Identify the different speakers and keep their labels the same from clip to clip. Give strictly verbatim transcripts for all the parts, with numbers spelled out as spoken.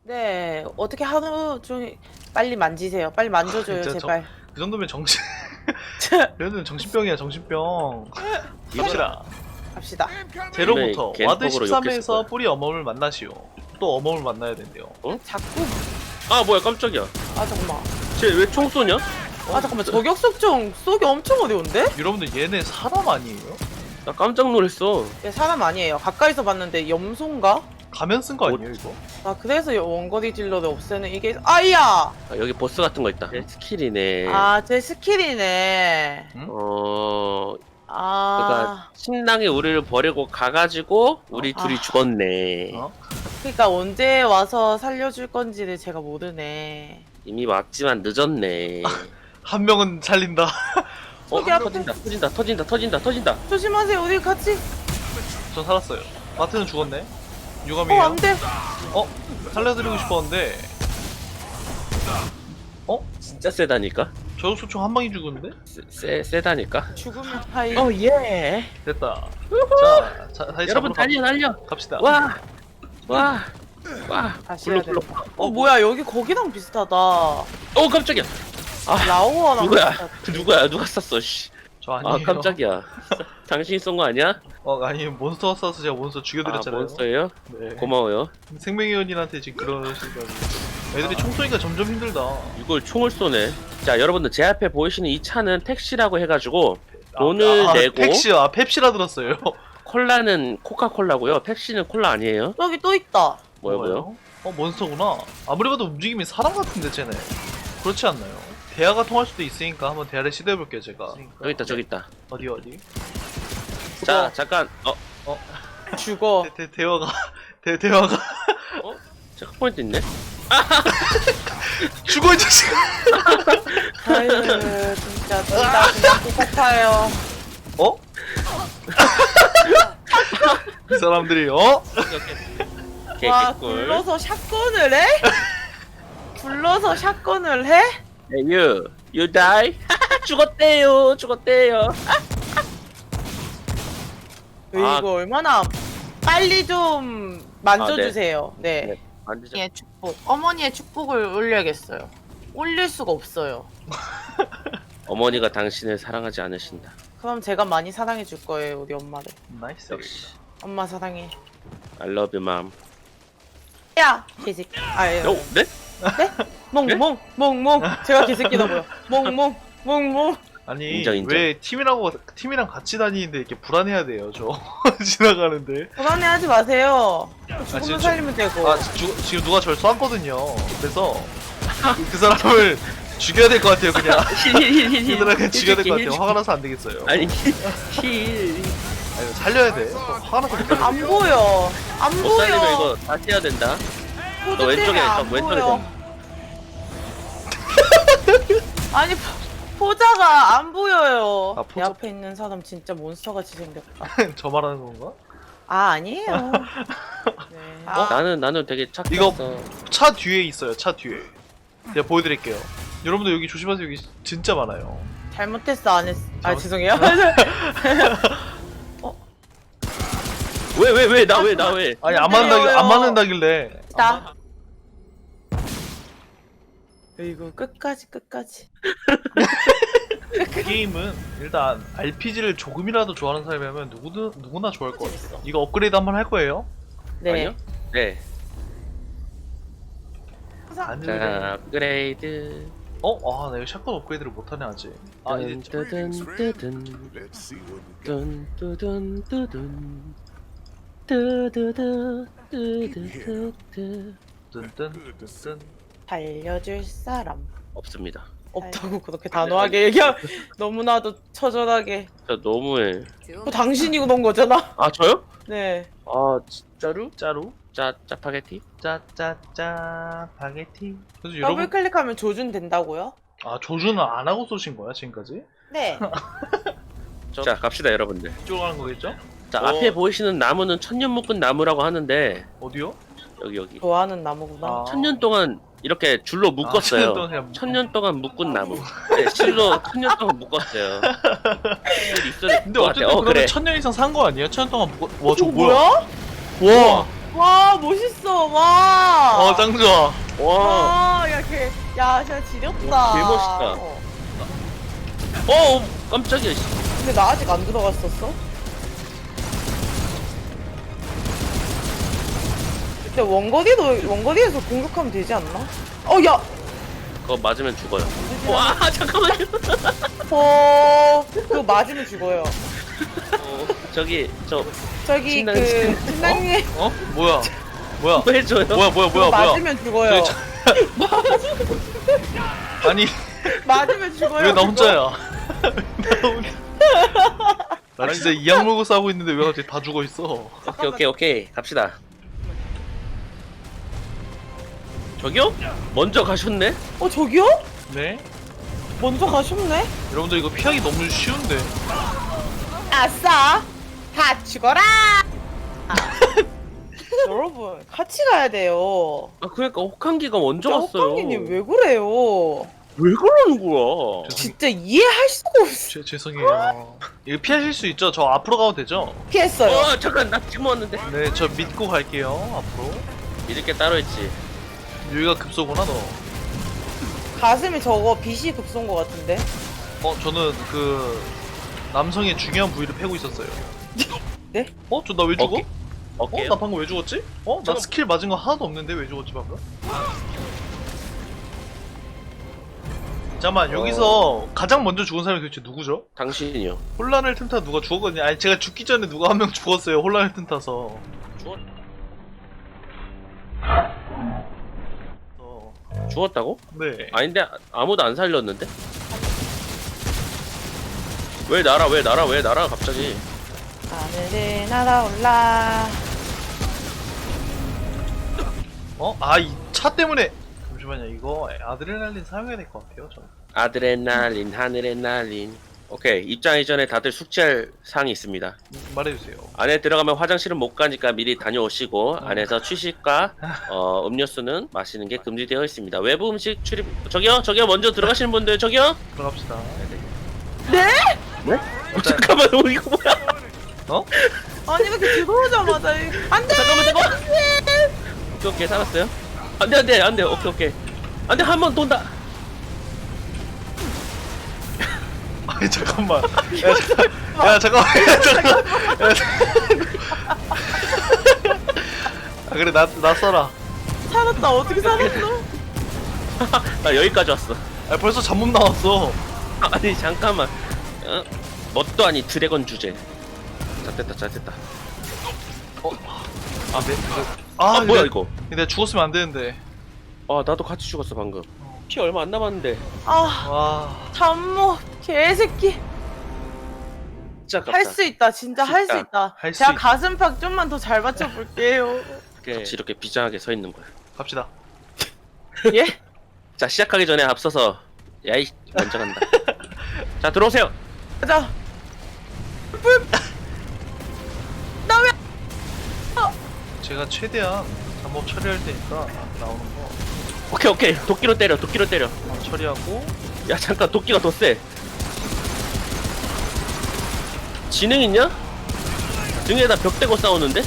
Speaker 1: 네, 어떻게 하루 종일 빨리 만지세요. 빨리 만져줘요,
Speaker 2: 진짜
Speaker 1: 제발.
Speaker 2: 그 정도면 정신 얘는 정신병이야 정신병. 갑시다.
Speaker 1: 갑시다.
Speaker 2: 제로부터
Speaker 3: 네,
Speaker 2: 와드
Speaker 3: 겐폭으로
Speaker 2: 십삼에서
Speaker 3: 욕했을 거야.
Speaker 2: 뿌리 어멈을 만나시오. 또 어멈을 만나야 된대요.
Speaker 1: 자꾸
Speaker 3: 아 뭐야 깜짝이야.
Speaker 1: 아 잠깐만.
Speaker 3: 쟤 왜 총 쏘냐?
Speaker 1: 아 잠깐만. 저격 속정 쏘기 엄청 어려운데?
Speaker 2: 여러분들 얘네 사람 아니에요?
Speaker 3: 나 깜짝 놀랐어.
Speaker 1: 얘 사람 아니에요. 가까이서 봤는데 염소인가?
Speaker 2: 가면 쓴 거 아니에요 이거?
Speaker 1: 아 그래서 원거리 딜러를 없애는 이게 아이야.
Speaker 3: 아, 여기 보스 같은 거 있다. 스킬이네.
Speaker 1: 아 제 스킬이네.
Speaker 3: 어
Speaker 1: 아
Speaker 3: 그러니까 신랑이 우리를 버리고 가가지고 우리
Speaker 1: 어?
Speaker 3: 둘이
Speaker 1: 아.
Speaker 3: 죽었네.
Speaker 2: 어?
Speaker 1: 그러니까 언제 와서 살려줄 건지를 제가 모르네.
Speaker 3: 이미 왔지만 늦었네.
Speaker 2: 한 명은 살린다.
Speaker 3: 어
Speaker 1: 저기 앞에.
Speaker 3: 터진다 터진다 터진다 터진다 터진다.
Speaker 1: 조심하세요. 우리 같이.
Speaker 2: 전 살았어요. 마트는 죽었네.
Speaker 1: 어
Speaker 2: 유감이에요.
Speaker 1: 안돼.
Speaker 2: 어? 살려드리고 싶었는데
Speaker 3: 진짜 세다니까.
Speaker 2: 저격소총 한 방이 죽었는데?
Speaker 3: 세, 세 세다니까.
Speaker 1: 죽으면 하이.
Speaker 3: 어 예.
Speaker 2: 됐다. 자, 자 다시
Speaker 3: 여러분
Speaker 2: 잡으러
Speaker 3: 달려 달려.
Speaker 2: 가, 갑시다.
Speaker 3: 와 와. 와.
Speaker 1: 다시 해야
Speaker 3: 불러
Speaker 1: 돼.
Speaker 3: 불러.
Speaker 1: 어 뭐야 여기 거기랑 비슷하다.
Speaker 3: 어 깜짝이야. 아
Speaker 1: 라오어랑
Speaker 3: 누구야?
Speaker 1: 비슷하다.
Speaker 3: 그 누구야? 누가 쐈어? 씨.
Speaker 2: 저 아니에요.
Speaker 3: 아 깜짝이야. 당신이 쏜 거 아니야?
Speaker 2: 어 아니 몬스터가 쏴서 제가 몬스터
Speaker 3: 아
Speaker 2: 죽여드렸잖아요.
Speaker 3: 몬스터예요?
Speaker 2: 네.
Speaker 3: 고마워요.
Speaker 2: 생명의원님한테 지금 그러시다고. 애들이 총 쏘니까 점점 힘들다.
Speaker 3: 이걸 총을 쏘네. 자 여러분들 제 앞에 보이시는 이 차는 택시라고 해가지고 돈을
Speaker 2: 아,
Speaker 3: 내고
Speaker 2: 펩시, 아 펩시라 들었어요.
Speaker 3: 콜라는 코카콜라고요. 펩시는 콜라 아니에요?
Speaker 1: 여기 또 있다.
Speaker 3: 뭐요 뭐요?
Speaker 2: 어 몬스터구나. 아무리 봐도 움직임이 사람 같은데 쟤네. 그렇지 않나요? 대화가 통할 수도 있으니까 한번 대화를 시도해볼게요 제가.
Speaker 3: 저기 있다 저기 있다.
Speaker 2: 어디 어디?
Speaker 3: 자 잠깐 어
Speaker 1: 죽어.
Speaker 2: 대, 대, 대화가 대, 대화가
Speaker 3: 체크포인트 있네.
Speaker 2: 죽어 이 자식.
Speaker 1: 아유 진짜 둘다 그냥 똑같아요.
Speaker 2: 어? 이 사람들이 어?
Speaker 1: 와
Speaker 3: 개꿀.
Speaker 1: 굴러서 샷건을 해? 굴러서 샷건을 해?
Speaker 3: You you die. 죽었대요 죽었대요. 아.
Speaker 1: 이거 얼마나 빨리 좀 만져주세요. 네.
Speaker 3: 네. 만지자.
Speaker 1: 어머니의 축복. 어머니의 축복을 올려야겠어요. 올릴 수가 없어요.
Speaker 3: 어머니가 당신을 사랑하지 않으신다.
Speaker 1: 그럼 제가 많이 사랑해 줄 거예요, 우리 엄마를.
Speaker 2: 나이스.
Speaker 3: 역시.
Speaker 1: 엄마 사랑해.
Speaker 3: I love you, mom.
Speaker 1: 야, 개새끼. 아, 예.
Speaker 3: 어, 네?
Speaker 1: 네? 몽몽, 몽몽. 제가 개새끼다 보여. 몽몽, 몽몽.
Speaker 2: 아니
Speaker 3: 인정, 인정.
Speaker 2: 왜 팀이라고 팀이랑 같이 다니는데 이렇게 불안해야 돼요 저 지나가는데.
Speaker 1: 불안해하지 마세요. 죽으면
Speaker 2: 지금
Speaker 1: 살리면 되고.
Speaker 2: 아 주, 지금 누가 저를 쐈거든요. 그래서 그, 그 사람을 죽여야 될 것 같아요 그냥. 그 사람 그냥 죽여야 될 것 같아요. 화가 나서 안 되겠어요.
Speaker 3: 아니, 힐.
Speaker 2: 아니 살려야 돼. 화가 나서 못
Speaker 1: 안
Speaker 2: 살려.
Speaker 1: 보여. 안
Speaker 3: 못 살리면
Speaker 1: 보여.
Speaker 3: 이거 다시 해야 된다.
Speaker 1: 포즈
Speaker 3: 너 왼쪽에
Speaker 1: 때문에
Speaker 3: 있어,
Speaker 1: 안
Speaker 3: 왼쪽에
Speaker 1: 보여. 아니 포- 포자가 안 보여요.
Speaker 2: 아,
Speaker 1: 내
Speaker 2: 포자-
Speaker 1: 앞에 있는 사람 진짜 몬스터같이 생겼다.
Speaker 2: 저 말하는 건가?
Speaker 1: 아 아니에요. 네. 아,
Speaker 3: 나는, 나는 되게 착했어.
Speaker 2: 이거- 차 뒤에 있어요. 차 뒤에. 제가 보여드릴게요. 여러분들 여기 조심하세요. 여기 진짜 많아요.
Speaker 1: 잘못했어 안 했어. 아
Speaker 2: 잘못-
Speaker 1: 죄송해요.
Speaker 3: 왜, 왜, 왜, 나 왜, 나 왜.
Speaker 2: 아니 안
Speaker 1: 힘들어요.
Speaker 2: 맞는다길 안 맞는다길래.
Speaker 1: 나. 이거 끝까지 끝까지.
Speaker 2: 이 게임은 일단 알피지를 조금이라도 좋아하는 사람이라면 누구든 누구나 좋아할 것 같아요.
Speaker 1: 재밌어.
Speaker 2: 이거 업그레이드 한번 할 거예요?
Speaker 1: 네.
Speaker 3: 아니요? 네.
Speaker 2: 안
Speaker 3: 자,
Speaker 2: 돼.
Speaker 3: 업그레이드.
Speaker 2: 어? 아, 나 이거 샷건 업그레이드를 못하네 아직. 아, 이제
Speaker 3: 뚜든, 뚜든, 뚜든, 뚜든, 뚜든. 뚜두두, 뚜두두두.
Speaker 2: 뜬뜬뜬.
Speaker 1: 살려줄 사람
Speaker 3: 없습니다.
Speaker 1: 없다고 그렇게 단호하게 얘기하. 너무나도 처절하게.
Speaker 3: 저 너무해.
Speaker 1: 그 당신이 그런 거잖아.
Speaker 3: 아, 저요?
Speaker 1: 네.
Speaker 3: 아, 진짜로?
Speaker 2: 짜루?
Speaker 3: 짜, 짜파게티?
Speaker 2: 짜짜짜 파게티. 그래서
Speaker 1: 더블
Speaker 2: 여러분,
Speaker 1: 클릭하면 조준 된다고요?
Speaker 2: 아 조준은 안 하고 쏘신 거야 지금까지?
Speaker 1: 네.
Speaker 3: 자, 갑시다, 여러분들.
Speaker 2: 이쪽으로 가는 거겠죠?
Speaker 3: 자,
Speaker 2: 어.
Speaker 3: 앞에 보이시는 나무는 천년 묶은 나무라고 하는데,
Speaker 2: 어디요?
Speaker 3: 여기, 여기.
Speaker 1: 좋아하는 나무구나.
Speaker 2: 아.
Speaker 3: 천년 동안 이렇게 줄로
Speaker 2: 아,
Speaker 3: 묶었어요.
Speaker 2: 천년 동안 그냥
Speaker 3: 천년 동안 묶은 나무. 네, 실로 천년 동안 묶었어요. 일이 있어야
Speaker 2: 근데
Speaker 3: 것
Speaker 2: 어쨌든
Speaker 3: 같아요. 어,
Speaker 2: 그러면
Speaker 3: 그래.
Speaker 2: 천년 이상 산 거 아니에요? 천년 동안 묵... 와, 저거
Speaker 1: 저거
Speaker 2: 뭐야?
Speaker 1: 뭐야?
Speaker 2: 와,
Speaker 1: 와 멋있어 와.
Speaker 2: 어, 짱 좋아.
Speaker 3: 와.
Speaker 1: 와, 야, 걔, 야, 진짜 지렸다.
Speaker 3: 개 멋있다.
Speaker 1: 어.
Speaker 3: 어 깜짝이야. 씨.
Speaker 1: 근데 나 아직 안 들어갔었어? 근데 원거리도, 원거리에서 공격하면 되지 않나? 어, 야!
Speaker 3: 그거 맞으면 죽어요. 와 잠깐만요.
Speaker 1: 어, 그거 맞으면 죽어요.
Speaker 3: 어, 저기 저
Speaker 1: 저기,
Speaker 3: 신랑,
Speaker 1: 그,
Speaker 3: 신랑.
Speaker 1: 신랑님.
Speaker 2: 어? 뭐야? 뭐야?
Speaker 3: 뭐 해줘요?
Speaker 2: 뭐야, 뭐야,
Speaker 1: 그거
Speaker 2: 뭐야, 뭐야?
Speaker 1: 맞으면 죽어요.
Speaker 2: 아니,
Speaker 1: 맞으면 죽어요.
Speaker 2: 왜 나
Speaker 1: 그거.
Speaker 2: 혼자야? 나 혼자. 나 진짜 이악 물고 싸우고 있는데 왜 갑자기 다 죽어 있어?
Speaker 3: 오케이 오케이 오케이 갑시다. 저기요? 먼저 가셨네?
Speaker 1: 어, 저기요?
Speaker 2: 네?
Speaker 1: 먼저 가셨네?
Speaker 2: 여러분들 이거 피하기 너무 쉬운데.
Speaker 1: 아싸! 다 죽어라! 여러분, 같이 가야 돼요.
Speaker 3: 아 그러니까 혹한기가 먼저 갔어요.
Speaker 1: 호빵이님 왜 그래요?
Speaker 3: 왜 그러는 거야?
Speaker 1: 진짜 이해할 수가 없어.
Speaker 2: 죄, 죄송해요. 이거 피하실 수 있죠? 저 앞으로 가도 되죠?
Speaker 1: 피했어요.
Speaker 3: 어 잠깐 나 지금 왔는데.
Speaker 2: 네, 저 믿고 갈게요. 앞으로.
Speaker 3: 믿을 게 따로 있지.
Speaker 2: 여기가 급소구나 너.
Speaker 1: 가슴에 저거 빛이 급소인 것 같은데?
Speaker 2: 어, 저는 그 남성의 중요한 부위를 패고 있었어요.
Speaker 1: 네?
Speaker 2: 어? 저 나 왜 죽어?
Speaker 3: 어깨?
Speaker 2: 어?
Speaker 3: 어깨요?
Speaker 2: 나 방금 왜 죽었지? 어? 나
Speaker 3: 잠깐-
Speaker 2: 스킬 맞은 거 하나도 없는데 왜 죽었지 방금? 잠깐만, 여기서 가장 먼저 죽은 사람이 도대체 누구죠?
Speaker 3: 당신이요.
Speaker 2: 혼란을 틈타 누가 죽었거든요. 아니, 제가 죽기 전에 누가 한 명 죽었어요. 혼란을 틈타서.
Speaker 3: 죽었
Speaker 2: 어,
Speaker 3: 죽었다고?
Speaker 2: 네.
Speaker 3: 아닌데 아무도 안 살렸는데? 왜 날아 왜 날아 왜 날아 갑자기?
Speaker 1: 하늘에 날아올라.
Speaker 2: 어? 아, 이 차 때문에. 잠시만요. 이거 아드레날린 사용해야 될 것 같아요. 저는.
Speaker 3: 아드레날린 하늘에 날린. 오케이 입장 이전에 다들 숙지할 사항이 있습니다.
Speaker 2: 말해주세요.
Speaker 3: 안에 들어가면 화장실은 못 가니까 미리 다녀오시고 안에서 취식과 어, 음료수는 마시는 게 금지되어 있습니다. 외부 음식 출입 저기요 저기요 먼저 들어가시는 분들 저기요.
Speaker 2: 들어갑시다.
Speaker 1: 네?
Speaker 3: 네? 어, 잠깐만 어, 이거 뭐야?
Speaker 2: 어?
Speaker 1: 아니, 왜 이렇게 들어오자마자. 이- 안 돼!
Speaker 3: 잠깐만 잠깐만. 오케이 오케이 살았어요. 안돼 안돼 안돼 오케이 오케이 안돼 한 번 돈다.
Speaker 2: 아니, 잠깐만. 야, 잠깐, 야, 잠깐만. 야, 잠깐만. 야, 잠깐만. 아, 그래, 나, 나 써라.
Speaker 1: 살았다. 어떻게 살았어?
Speaker 3: 나 여기까지 왔어.
Speaker 2: 아, 벌써 잡몸 나왔어.
Speaker 3: 아니 잠깐만. 어? 뭣도 아니 드래곤 주제. 자 됐다 자 됐다.
Speaker 2: 아, 네.
Speaker 3: 아,
Speaker 2: 아,
Speaker 3: 뭐야
Speaker 2: 근데-
Speaker 3: 이거?
Speaker 2: 근데 죽었으면 안 되는데.
Speaker 3: 아 나도 같이 죽었어 방금. 피 얼마 안 남았는데.
Speaker 1: 아,
Speaker 2: 와.
Speaker 1: 잠모. 개새끼.
Speaker 3: 진짜 깝다.
Speaker 1: 할 수 있다. 진짜 할 수
Speaker 3: 진짜.
Speaker 1: 있다.
Speaker 2: 할수
Speaker 1: 제가
Speaker 2: 있다.
Speaker 1: 가슴팍 좀만 더 잘 맞춰볼게요.
Speaker 3: 같이 이렇게 비장하게 서 있는 거야.
Speaker 2: 갑시다.
Speaker 1: 예?
Speaker 3: 자 시작하기 전에 앞서서 야이 먼저 간다. 자 들어오세요.
Speaker 1: 가자. 불. 나 왜?
Speaker 2: 제가 최대한 잠몸 처리할 테니까 나오는 거
Speaker 3: 오케이 오케이 도끼로 때려 도끼로 때려.
Speaker 2: 어, 처리하고.
Speaker 3: 야 잠깐 도끼가 더 세. 지능 있냐? 등에다 벽 대고 싸우는데?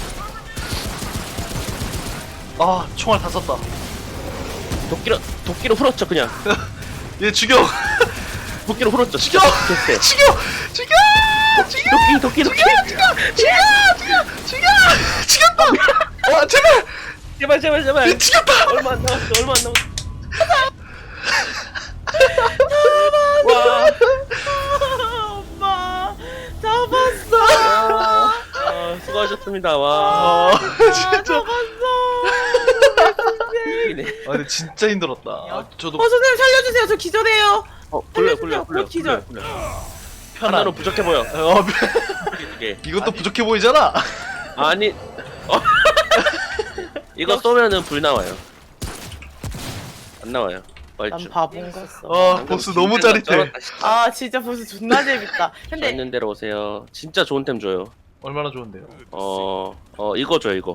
Speaker 2: 아, 총알 다 썼다.
Speaker 3: 도끼로 도끼로 풀었죠 그냥.
Speaker 2: 얘 죽여.
Speaker 3: 도끼로 풀었죠.
Speaker 2: 죽여.
Speaker 3: 됐대.
Speaker 2: 죽여. 죽여. 죽여.
Speaker 3: 도끼 도끼 도끼.
Speaker 2: 죽여. 죽여. 죽여. 죽였다. 와, 제발.
Speaker 3: 제발 제발 제발.
Speaker 2: 얘 죽였다.
Speaker 3: 얼마 안 남았어 얼마 안 남았어. 와.
Speaker 1: 엄마 잡았어.
Speaker 3: 아, 수고하셨습니다. 와.
Speaker 2: 아, 진짜.
Speaker 1: 잡았어.
Speaker 3: 이네.
Speaker 2: 아, 근데 진짜 힘들었다. 아, 저도
Speaker 1: 어, 선생님 살려주세요. 저 기절해요.
Speaker 3: 어, 굴려
Speaker 1: 살려주세요.
Speaker 3: 굴려 굴려
Speaker 1: 곧 기절.
Speaker 3: 굴려.
Speaker 2: 편안.
Speaker 3: 하나로 부족해 보여.
Speaker 2: 어,
Speaker 3: 이게.
Speaker 2: 이것도 부족해 보이잖아.
Speaker 3: 아니. 어. 이거 쏘면은 불 나와요. 안 나와요.
Speaker 1: 난
Speaker 3: 얼추.
Speaker 1: 바본가 써.
Speaker 2: 아, 보스 너무 짜릿해.
Speaker 1: 아 진짜 벌써 존나 재밌다.
Speaker 3: 저
Speaker 1: 근데
Speaker 3: 있는 대로 오세요. 진짜 좋은 템 줘요.
Speaker 2: 얼마나 좋은데요?
Speaker 3: 어, 어 이거 줘요 이거.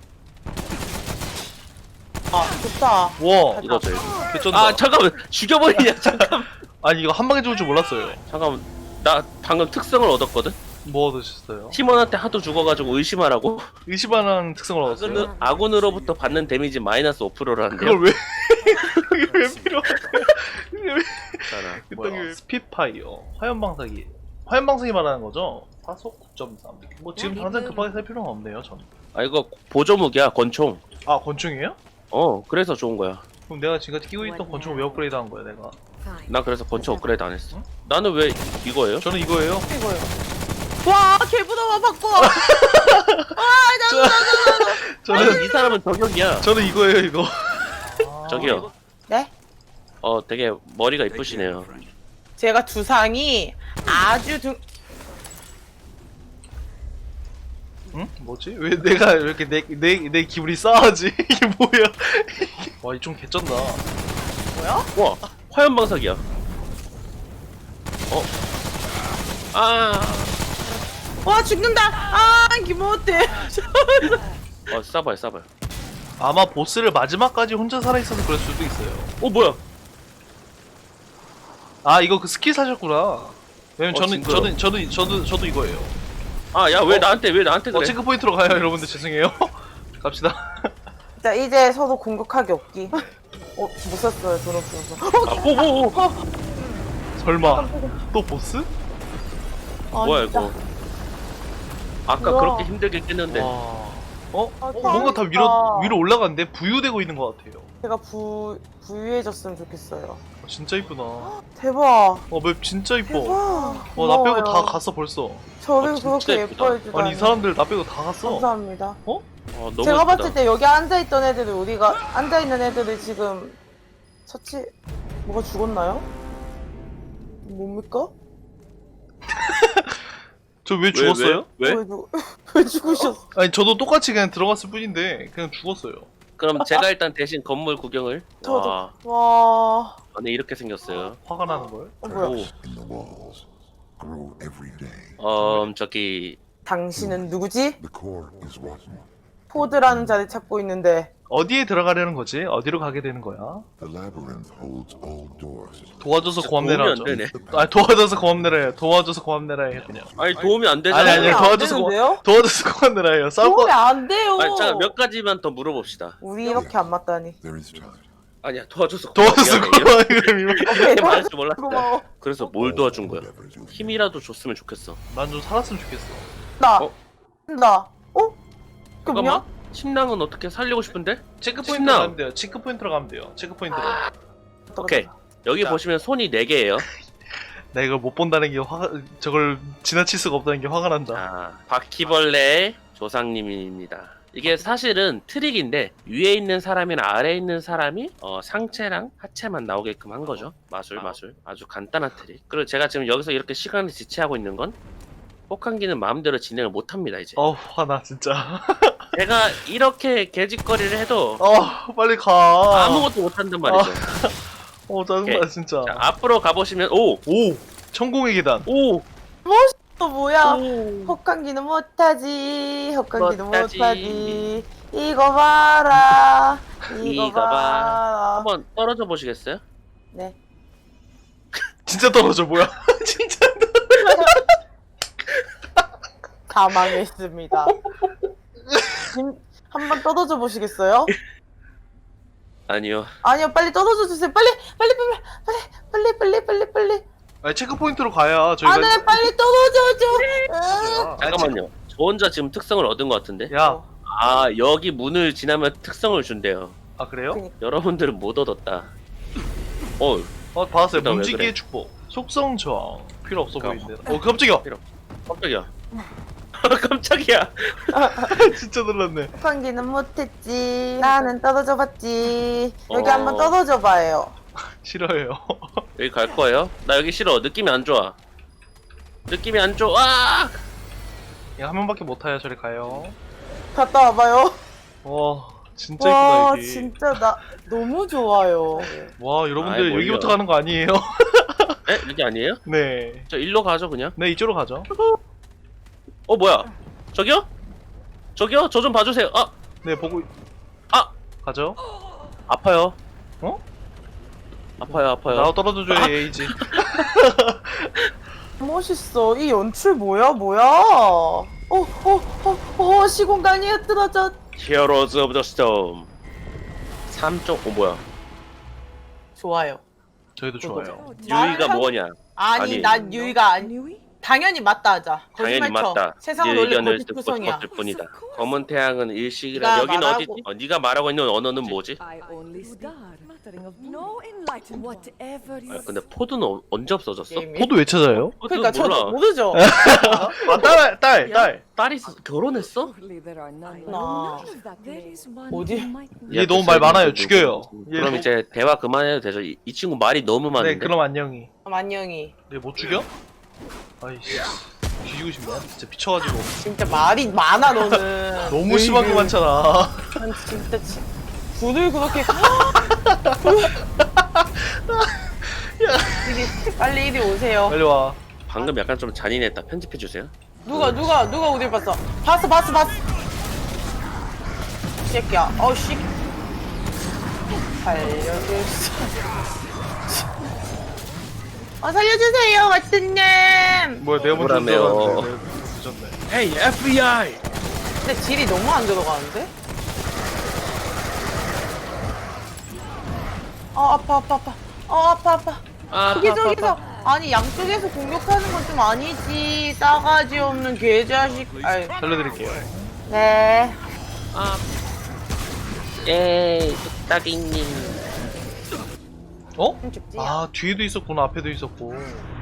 Speaker 1: 아 좋다.
Speaker 2: 와,
Speaker 3: 이거 줘요.
Speaker 2: 개쩐다.
Speaker 3: 아 잠깐만 죽여버리냐 잠깐.
Speaker 2: 아니, 이거 한 방에 죽을 줄 몰랐어요.
Speaker 3: 잠깐만 나 방금 특성을 얻었거든.
Speaker 2: 뭐 얻으셨어요?
Speaker 3: 팀원한테 하도 죽어가지고 의심하라고.
Speaker 2: 의심하는 특성을 얻었어요?
Speaker 3: 아군, 아군으로부터 받는 데미지 마이너스 오 퍼센트라는데요.
Speaker 2: 그걸 왜 그게 왜 필요한데? 그게 왜
Speaker 3: 괜찮아.
Speaker 2: 뭐야? 스피파이어 화염방사기 화염방사기 말하는 거죠? 사속 구 점 삼. 뭐 지금 당장 급하게 살 필요는 없네요 저는.
Speaker 3: 아 이거 보조무기야 권총.
Speaker 2: 아 권총이에요?
Speaker 3: 어 그래서 좋은 거야.
Speaker 2: 그럼 내가 지금까지 끼고 있던 권총을 왜 업그레이드 한 거야 내가?
Speaker 3: 나 그래서 권총 업그레이드 안 했어. 나는 왜 이거예요?
Speaker 2: 저는 이거예요.
Speaker 1: 이거요. 와 개부담아 바꿔.
Speaker 2: 저는
Speaker 3: 아니, 이 사람은 저격이야.
Speaker 2: 저는 이거예요 이거.
Speaker 3: 저기요.
Speaker 1: 네?
Speaker 3: 어 되게 머리가 이쁘시네요.
Speaker 1: 제가 두상이 아주 등.
Speaker 2: 응? 뭐지? 왜 내가 이렇게 내 내 내 기분이 싸하지? 이게 뭐야? 와 이 좀 개쩐다.
Speaker 1: 뭐야?
Speaker 3: 와 화염방사기야. 어? 아,
Speaker 1: 와 죽는다. 아 기분 어때?
Speaker 3: 어 싸봐요 싸봐요.
Speaker 2: 아마 보스를 마지막까지 혼자 살아있어서 그럴 수도 있어요.
Speaker 3: 어 뭐야?
Speaker 2: 아 이거 그 스킬 사셨구나. 왜냐면
Speaker 3: 어,
Speaker 2: 저는
Speaker 3: 징그러.
Speaker 2: 저는 저도 저도 저도 이거예요.
Speaker 3: 아 야 왜
Speaker 2: 어?
Speaker 3: 나한테 왜 나한테
Speaker 2: 어
Speaker 3: 그래?
Speaker 2: 체크 포인트로 가요 여러분들 죄송해요. 갑시다.
Speaker 1: 자 이제 서로 공격하기 없기. 어못 샀어요 돈 없어서.
Speaker 3: 아, 오, 오, 오.
Speaker 2: 설마 또 보스?
Speaker 1: 아,
Speaker 3: 뭐야
Speaker 1: 진짜.
Speaker 3: 이거? 아까
Speaker 1: 우와.
Speaker 3: 그렇게 힘들게 깼는데.
Speaker 2: 와. 어?
Speaker 1: 아,
Speaker 2: 어 뭔가 다 위로
Speaker 1: 재밌다.
Speaker 2: 위로 올라갔는데 부유되고 있는 것 같아요.
Speaker 1: 제가 부 부유해졌으면 좋겠어요.
Speaker 2: 어, 진짜 이쁘다. 어
Speaker 1: 대박.
Speaker 2: 맵 진짜 이뻐.
Speaker 1: 대박.
Speaker 2: 어 나 빼고
Speaker 1: 고마워요.
Speaker 2: 다 갔어 벌써.
Speaker 1: 저를
Speaker 3: 어, 진짜
Speaker 1: 그렇게
Speaker 3: 예쁘다.
Speaker 1: 예뻐해 주다니.
Speaker 2: 아니 이 사람들 나 빼고 다 갔어.
Speaker 1: 감사합니다.
Speaker 3: 어, 너무
Speaker 1: 제가
Speaker 3: 예쁘다.
Speaker 1: 봤을 때 여기 앉아 있던 애들이 우리가 앉아 있는 애들이 지금 처치 뭐가 죽었나요? 뭡니까?
Speaker 2: 저 왜 죽었어요?
Speaker 3: 왜? 왜?
Speaker 1: 왜, 누... 왜 죽으셨어?
Speaker 2: 아니 저도 똑같이 그냥 들어갔을 뿐인데 그냥 죽었어요.
Speaker 3: 그럼 제가 일단 대신 건물 구경을.
Speaker 1: 저도.
Speaker 3: 와,
Speaker 1: 와.
Speaker 3: 안에 이렇게 생겼어요.
Speaker 2: 화가 나는 걸.
Speaker 1: 어 뭐야?
Speaker 3: 오,
Speaker 4: in the walls grow every day.
Speaker 3: 음 저기
Speaker 1: 당신은 누구지?
Speaker 4: The core is rotten.
Speaker 1: 포드라는 자리 찾고 있는데
Speaker 2: 어디에 들어가려는 거지? 어디로 가게 되는 거야?
Speaker 4: The labyrinth holds all doors.
Speaker 2: 도와줘서
Speaker 3: 진짜
Speaker 2: 고맙네라
Speaker 3: 도움이
Speaker 2: 하죠.
Speaker 3: 안 되네.
Speaker 2: 아 도와줘서 고맙네라 해요. 도와줘서 고맙네라 해요 그냥.
Speaker 3: 아니 도움이 안 되잖아.
Speaker 2: 아니, 아니,
Speaker 1: 도움이 안
Speaker 2: 도와줘서 고-
Speaker 1: 되는데요?
Speaker 2: 도와줘서 고맙네라 해요. 싸울
Speaker 1: 도움이
Speaker 2: 거.
Speaker 1: 안 돼요.
Speaker 3: 아니 잠깐 몇 가지만 더 물어봅시다.
Speaker 1: 우리 이렇게 안 맞다니.
Speaker 4: There is time.
Speaker 3: 아니야 도와줘서
Speaker 2: 도와줘서
Speaker 3: 고마워. 미안해.
Speaker 2: 고마워 그럼 이거.
Speaker 1: 오케이,
Speaker 3: 이렇게 말할 줄 몰랐다.
Speaker 1: 고마워.
Speaker 3: 그래서 뭘 도와준 거야?
Speaker 4: Endeavors will
Speaker 3: 힘이라도 줬으면 좋겠어.
Speaker 2: 난좀 살았으면 좋겠어.
Speaker 1: 나.
Speaker 3: 어?
Speaker 1: 나. 어? 그게 뭐냐?
Speaker 3: 잠깐만. 침낭은 어떻게 살리고 싶은데?
Speaker 2: 체크 포인트로
Speaker 3: 신나.
Speaker 2: 가면 돼요. 체크 포인트로 가면 돼요. 체크 포인트로.
Speaker 3: 오케이. 여기
Speaker 2: 자.
Speaker 3: 보시면 손이 네 개예요.
Speaker 2: 나 이걸 못 본다는 게 화가 저걸 지나칠 수가 없다는 게 화가 난다.
Speaker 3: 자, 바퀴벌레 조상님입니다. 이게 사실은 트릭인데 위에 있는 사람이나 아래에 있는 사람이 어, 상체랑 하체만 나오게끔 한 거죠. 마술 마술. 아주 간단한 트릭. 그리고 제가 지금 여기서 이렇게 시간을 지체하고 있는 건 혹한기는 마음대로 진행을 못합니다 이제.
Speaker 2: 어 화나 진짜.
Speaker 3: 제가 이렇게 개짓거리를 해도
Speaker 2: 어 빨리 가.
Speaker 3: 아무것도 못한단 말이죠.
Speaker 2: 어 짜증나
Speaker 3: 오케이.
Speaker 2: 진짜.
Speaker 3: 자, 앞으로 가보시면 오!
Speaker 2: 오 천공의 계단.
Speaker 3: 오!
Speaker 1: 또 뭐야?
Speaker 3: 오!
Speaker 1: 혹한기는 못하지. 혹한기는
Speaker 3: 못하지.
Speaker 1: 못하지. 이거 봐라. 이거,
Speaker 3: 이거 봐.
Speaker 1: 봐라.
Speaker 3: 한번 떨어져 보시겠어요?
Speaker 1: 네.
Speaker 2: 진짜 떨어져 뭐야? 진짜.
Speaker 1: 사망했습니다. 한번 떠들어 보시겠어요?
Speaker 3: 아니요.
Speaker 1: 아니요, 빨리 떠들어 주세요. 빨리, 빨리, 빨리, 빨리, 빨리, 빨리, 빨리, 빨리.
Speaker 2: 아니 체크 포인트로 가야 저희가.
Speaker 1: 아, 네, 빨리 떠들어 줘.
Speaker 2: 야,
Speaker 3: 잠깐만요. 저 혼자 지금 특성을 얻은 것 같은데?
Speaker 2: 야,
Speaker 3: 아, 여기 문을 지나면 특성을 준대요.
Speaker 2: 아 그래요?
Speaker 3: 여러분들은 못 얻었다. 어,
Speaker 2: 어 받았어요.
Speaker 3: 그다음 왜
Speaker 2: 문지기의
Speaker 3: 그래?
Speaker 2: 축복. 속성 저항 필요 없어
Speaker 3: 잠깐만.
Speaker 2: 보이는데. 어 깜짝이야.
Speaker 3: 깜짝이야. 깜짝이야.
Speaker 2: 진짜 놀랐네.
Speaker 1: 혹한기는 못했지. 나는 떠들어 봤지. 여기
Speaker 3: 어.
Speaker 1: 한번 떠들어 봐요.
Speaker 2: 싫어해요.
Speaker 3: 여기 갈 거예요? 나 여기 싫어. 느낌이 안 좋아. 느낌이 안 좋아.
Speaker 2: 야, 한 명밖에 못 타요. 저리 가요.
Speaker 1: 갔다 와봐요.
Speaker 2: 와 진짜
Speaker 1: 와,
Speaker 2: 이쁘다 여기.
Speaker 1: 진짜 나 너무 좋아요.
Speaker 2: 와 여러분들
Speaker 3: 아이, 뭘요.
Speaker 2: 여기부터 가는 거 아니에요?
Speaker 3: 에? 이게 아니에요?
Speaker 2: 네.
Speaker 3: 저 일로 가죠 그냥.
Speaker 2: 네 이쪽으로 가죠.
Speaker 3: 어 뭐야? 저기요? 저기요? 저 좀 봐주세요. 아
Speaker 2: 네 보고.
Speaker 3: 아!
Speaker 2: 가죠.
Speaker 3: 아파요.
Speaker 2: 어?
Speaker 3: 아파요 아파요.
Speaker 2: 나도 떨어져줘야 에이지.
Speaker 1: 멋있어. 이 연출 뭐야 뭐야. 어어어어 어, 어, 시공간이 흐트러져.
Speaker 3: 히어로즈 오브 더 스톰 삼 점 오 뭐야
Speaker 1: 좋아요.
Speaker 2: 저희도 좋아요.
Speaker 3: 유이가
Speaker 1: 말을
Speaker 3: 뭐냐
Speaker 1: 아니,
Speaker 3: 아니.
Speaker 1: 난 유이가 아니. 당연히 맞다 하자.
Speaker 3: 당연히
Speaker 1: 거짓말 쳐.
Speaker 3: 맞다.
Speaker 1: 세상은
Speaker 3: 네
Speaker 1: 원래
Speaker 3: 의견을
Speaker 1: 거짓
Speaker 3: 듣고
Speaker 1: 구성이야.
Speaker 3: 싶었을 뿐이다. 검은 태양은 일식이라
Speaker 1: 네가
Speaker 3: 여기는
Speaker 1: 말하고-
Speaker 3: 어디지? 어, 네가 말하고 있는 언어는 뭐지?
Speaker 5: I only star. Mattering of no enlightenment. Whatever
Speaker 3: 아,
Speaker 5: is.
Speaker 3: 근데 포드는 어- 언제 없어졌어?
Speaker 1: 게임이.
Speaker 2: 코드 왜 찾아요?
Speaker 3: 포드
Speaker 1: 그러니까
Speaker 3: 몰라.
Speaker 1: 저도 모르죠.
Speaker 2: 아, 딸, 딸, 딸.
Speaker 3: 딸이 있어. 결혼했어?
Speaker 5: Surely there are none.
Speaker 1: 나-
Speaker 5: None of that. There is one
Speaker 1: 어디?
Speaker 5: who might know.
Speaker 2: 얘 너무 말 많아요. 죽여요. 얘
Speaker 3: 그럼
Speaker 2: 너무-
Speaker 3: 이제 대화 그만해도 되죠. 이, 이 친구 말이 너무
Speaker 2: 네,
Speaker 3: 많은데.
Speaker 2: 그럼 안녕히.
Speaker 1: 만영이.
Speaker 2: 얘 못 죽여? 아이씨. 뒤지고 싶네. 진짜 미쳐가지고.
Speaker 1: 진짜 말이 많아 너는.
Speaker 2: 너무 심한 거 많잖아.
Speaker 1: 난 진짜 지, 불을 그렇게 이리, 빨리 이리 오세요.
Speaker 2: 빨리 와.
Speaker 3: 방금 약간 좀 잔인했다. 편집해 주세요.
Speaker 1: 누가 누가 누가 어딜 봤어? 봤어 봤어 봤어. 이 새끼야. 어우 씨. 살려줄 수. 어 살려주세요 왓슨님.
Speaker 2: 뭐야, 내가 먼저
Speaker 3: 뭐라며요.
Speaker 2: 들어갔는데. 내가 늦었네.
Speaker 3: 헤이 에프비아이.
Speaker 1: 근데 딜이 너무 안 들어가는데? 어 아파 아파 아파. 어 아파 아파.
Speaker 3: 아,
Speaker 1: 저기
Speaker 3: 아파,
Speaker 1: 저기서
Speaker 3: 아파.
Speaker 1: 아니 양쪽에서 공격하는 건 좀 아니지. 싸가지 없는 개자식. 아이
Speaker 2: 살려드릴게요.
Speaker 1: 네.
Speaker 3: 아. 예, 뚝딱이님.
Speaker 2: 어?
Speaker 1: 좀 춥지?
Speaker 2: 아, 뒤에도 있었구나. 앞에도 있었고.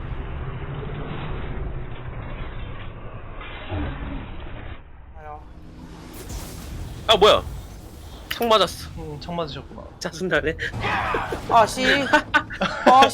Speaker 1: 아유.
Speaker 3: 아 뭐야? 창 맞았어.
Speaker 2: 음, 창 맞으셨구나.
Speaker 3: 짜증나네.
Speaker 1: 아씨. 아씨.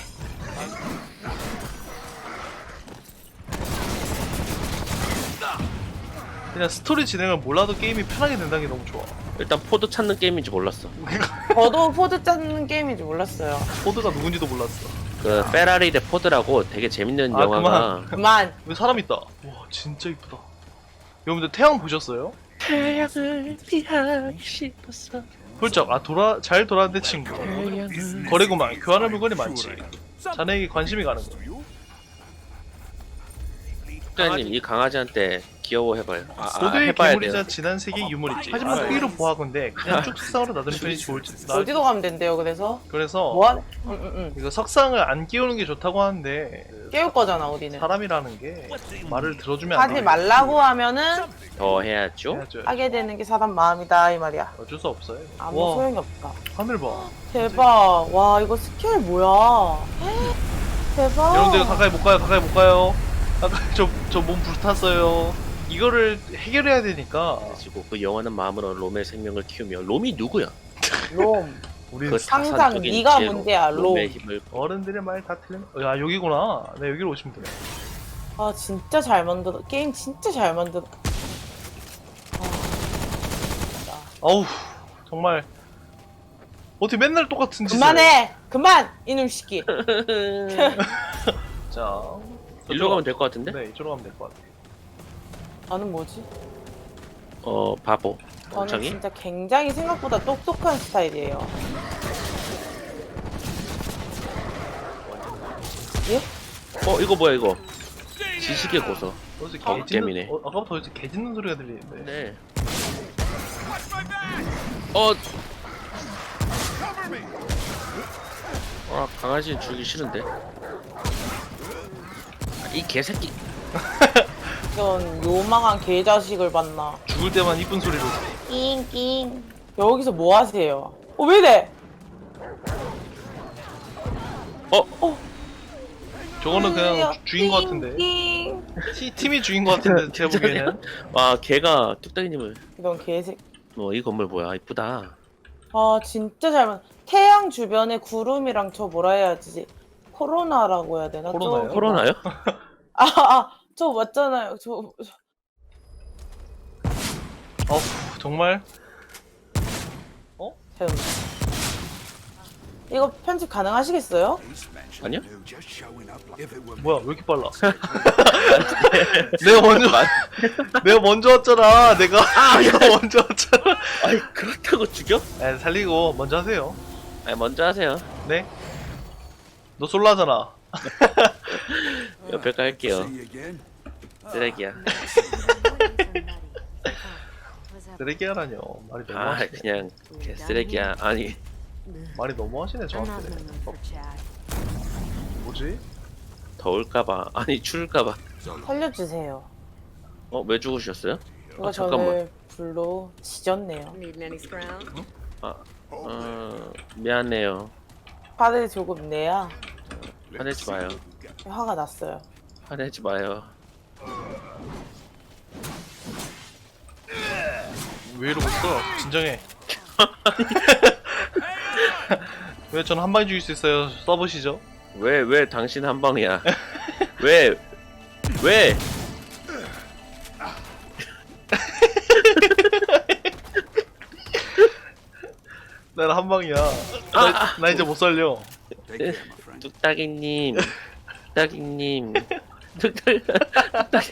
Speaker 2: 그냥 스토리 진행을 몰라도 게임이 편하게 된다는 게 너무 좋아.
Speaker 3: 일단 포드 찾는 게임인지 몰랐어.
Speaker 1: 저도 포드 짜는 게임인지 몰랐어요.
Speaker 2: 코드가 누군지도 몰랐어.
Speaker 3: 그 페라리 대 포드라고 되게 재밌는
Speaker 2: 아,
Speaker 3: 영화가
Speaker 1: 그만.
Speaker 2: 왜 사람 있다. 와, 진짜 이쁘다. 여러분들 태양 보셨어요?
Speaker 3: 태양을 피하기 싶었어.
Speaker 2: 훌쩍. 아, 돌아 잘 돌아왔네 친구. 거래구만. 교환할 물건이 많지. 자네에게 관심이 가는 거.
Speaker 3: 국장님 이 강아지한테 귀여워해봐요. 아, 아,
Speaker 2: 고대의
Speaker 3: 해봐야
Speaker 2: 괴물이자
Speaker 3: 돼요.
Speaker 2: 지난 세계의 유물이지. 하지만 특이로 보아건데 그냥 쭉 석상으로 놔두는 편이 좋을지. 나-
Speaker 1: 어디로 가면 된대요 그래서?
Speaker 2: 그래서
Speaker 1: 뭐하? 응응응.
Speaker 2: 이거 석상을 안 끼우는 게 좋다고 하는데
Speaker 1: 깨울 거잖아 우리는.
Speaker 2: 사람이라는 게 말을 들어주면 안
Speaker 1: 하지
Speaker 2: 돼.
Speaker 1: 말라고 하면은
Speaker 3: 더 해야죠.
Speaker 2: 해야죠.
Speaker 1: 하게 되는 게 사람 마음이다 이 말이야.
Speaker 2: 어쩔 수 없어요.
Speaker 1: 아무
Speaker 2: 와,
Speaker 1: 소용이 없다.
Speaker 2: 하늘 봐.
Speaker 1: 대박. 와 이거 스케일 뭐야? 대박.
Speaker 2: 여러분들 가까이 못 가요. 가까이 못 가요. 가까이 저저 몸 불탔어요. 이거를 해결해야 되니까
Speaker 3: 그리고 그 영원한 마음으로 롬의 생명을 키우며 롬이 누구야?
Speaker 1: 롬.
Speaker 2: 우리
Speaker 3: 그
Speaker 1: 항상
Speaker 3: 타산적인
Speaker 1: 네가
Speaker 3: 지혜로
Speaker 1: 문제야,
Speaker 3: 롬의
Speaker 1: 롬.
Speaker 3: 힘을
Speaker 2: 어른들의 말 다 틀린. 야 여기구나. 네 여기로 오시면 돼요.
Speaker 1: 아 진짜 잘 만들어. 게임 진짜 잘 만들어.
Speaker 2: 어우 정말 어떻게 맨날 똑같은 짓을.
Speaker 1: 그만해. 그만 이놈 새끼.
Speaker 2: 자
Speaker 3: 일로 가면 될 것 같은데?
Speaker 2: 네 이쪽으로 가면 될 것 같아요.
Speaker 1: 나는 뭐지?
Speaker 3: 어 바보.
Speaker 1: 저는
Speaker 3: 멍청이?
Speaker 1: 진짜 굉장히 생각보다 똑똑한 스타일이에요. 예?
Speaker 3: 어 이거 뭐야 이거? 지식의 고서.
Speaker 2: 어디서
Speaker 3: 어,
Speaker 2: 개
Speaker 3: 게임이네.
Speaker 2: 짖는 어, 아까부터 어디서 개 짖는 소리가 들리는데.
Speaker 3: 네. 어. 아 강아지는 죽이기 싫은데. 아, 이 개새끼.
Speaker 1: 이런 요망한 개자식을 봤나?
Speaker 2: 죽을 때만 이쁜 소리로.
Speaker 1: 낑낑. 여기서 뭐 하세요? 어, 왜 이래?
Speaker 3: 어?
Speaker 2: 저거는 그냥 주- 주인 것 같은데.
Speaker 1: 낑낑.
Speaker 2: 티, 팀이 주인 것 같은데 제가 보기에는.
Speaker 3: 와 걔가 뚝딱이님을.
Speaker 1: 이런 개색.
Speaker 3: 뭐 이 건물 뭐야 이쁘다.
Speaker 1: 아 진짜 잘 만. 태양 주변에 구름이랑 저 뭐라 해야지? 코로나라고 해야 되나?
Speaker 2: 코로나요?
Speaker 1: 저기
Speaker 3: 코로나요?
Speaker 1: 아, 아, 저 맞잖아요. 저, 저
Speaker 2: 어우 정말.
Speaker 1: 참. 이거 편집 가능하시겠어요?
Speaker 3: 아니요?
Speaker 2: 뭐야 왜 이렇게 빨라? 내가 먼저 내가 먼저 왔잖아. 내가 내가 먼저 왔잖아.
Speaker 3: 아이 그렇다고 죽여?
Speaker 2: 에 살리고 먼저 하세요.
Speaker 3: 아 먼저 하세요.
Speaker 2: 네. 너 솔라잖아.
Speaker 3: 옆에 깔게요. 쓰레기야.
Speaker 2: 쓰레기야라뇨. 말이 너무
Speaker 3: 아
Speaker 2: 하시네.
Speaker 3: 그냥 개 쓰레기야. 아니
Speaker 2: 말이 너무 하시네 저한테. 어, 뭐지?
Speaker 3: 더울까봐. 아니 추울까봐.
Speaker 1: 살려주세요.
Speaker 3: 어 왜 죽으셨어요?
Speaker 1: 이거
Speaker 3: 아 잠깐만.
Speaker 1: 저를 불로 지졌네요.
Speaker 5: Needing any scrounge?
Speaker 3: 아 어, 미안해요.
Speaker 1: 화를 조금 내야
Speaker 3: 화내지 마요.
Speaker 1: 화가 났어요.
Speaker 3: 화내지 마요.
Speaker 2: 왜 이러고 있어? 진정해. 왜 저는 한 방에 죽일 수 있어요? 써보시죠.
Speaker 3: 왜 왜 당신 한 방이야? 왜 왜?
Speaker 2: 나는 한 방이야. 나, 나 이제 못 살려.
Speaker 3: 뚝딱이님, 뚝딱이님, 뚝딱, 뚝딱.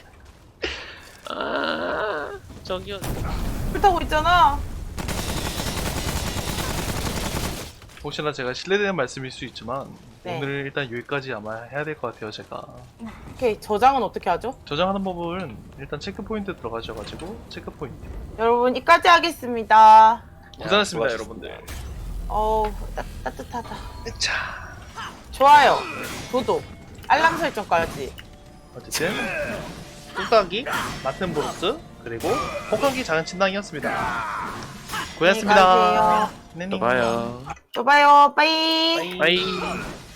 Speaker 3: 아 저기요.
Speaker 1: 불타고 있잖아.
Speaker 2: 혹시나 제가 실례되는 말씀일 수 있지만
Speaker 1: 네.
Speaker 2: 오늘 일단 여기까지 아마 해야 될 것 같아요. 제가
Speaker 1: 오케이, 저장은 어떻게 하죠?
Speaker 2: 저장하는 법은 일단 체크 포인트 들어가셔가지고 체크 포인트.
Speaker 1: 여러분, 이까지 하겠습니다.
Speaker 2: 고생하셨습니다,
Speaker 3: 야,
Speaker 2: 여러분들.
Speaker 1: 어우, 따, 따뜻하다.
Speaker 2: 자,
Speaker 1: 좋아요. 구독. 알람 설정까지.
Speaker 2: 어쨌든 뚝딱이, 마튼 브로스 그리고 호캉기 작은 침낭이었습니다. 고생하셨습니다.
Speaker 1: 안녕히 가세요.
Speaker 2: 네,
Speaker 3: 또 봐요.
Speaker 1: 또 봐요. 빠이.
Speaker 3: 빠이.